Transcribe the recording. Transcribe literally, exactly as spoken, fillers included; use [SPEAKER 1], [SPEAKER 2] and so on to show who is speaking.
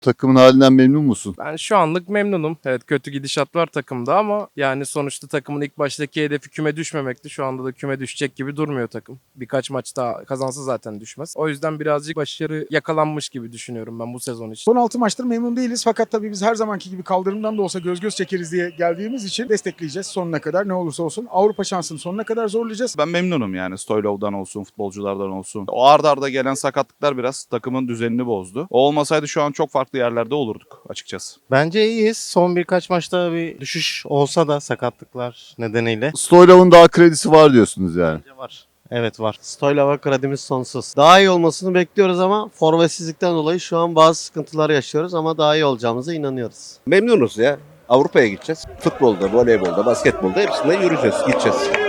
[SPEAKER 1] Takımın halinden memnun musun?
[SPEAKER 2] Ben şu anlık memnunum. Evet, kötü gidişat var takımda ama yani sonuçta takımın ilk baştaki hedefi küme düşmemekti. Şu anda da küme düşecek gibi durmuyor takım. Birkaç maç daha kazansa zaten düşmez. O yüzden birazcık başarı yakalanmış gibi düşünüyorum ben bu sezon için.
[SPEAKER 3] Son altı maçtır memnun değiliz fakat tabii biz her zamanki gibi kaldırımdan da olsa göz göz çekeriz diye geldiğimiz için destekleyeceğiz sonuna kadar ne olursa olsun. Avrupa şansını sonuna kadar zorlayacağız.
[SPEAKER 4] Ben memnunum yani Stoylov'dan olsun, futbolculardan olsun. O arda arda gelen sakatlıklar biraz takımın düzenini bozdu. O olmasaydı şu an çok farklı yerlerde olurduk açıkçası.
[SPEAKER 5] Bence iyiyiz. Son birkaç maçta bir düşüş olsa da sakatlıklar nedeniyle.
[SPEAKER 1] Stoylov'un daha kredisi var diyorsunuz yani.
[SPEAKER 5] Bence var. Evet var. Stoylov'a kredimiz sonsuz. Daha iyi olmasını bekliyoruz ama forvetsizlikten dolayı şu an bazı sıkıntılar yaşıyoruz ama daha iyi olacağımıza inanıyoruz.
[SPEAKER 6] Memnunuz ya. Avrupa'ya gideceğiz. Futbolda, voleybolda, basketbolda hepsinde yürüyeceğiz, gideceğiz.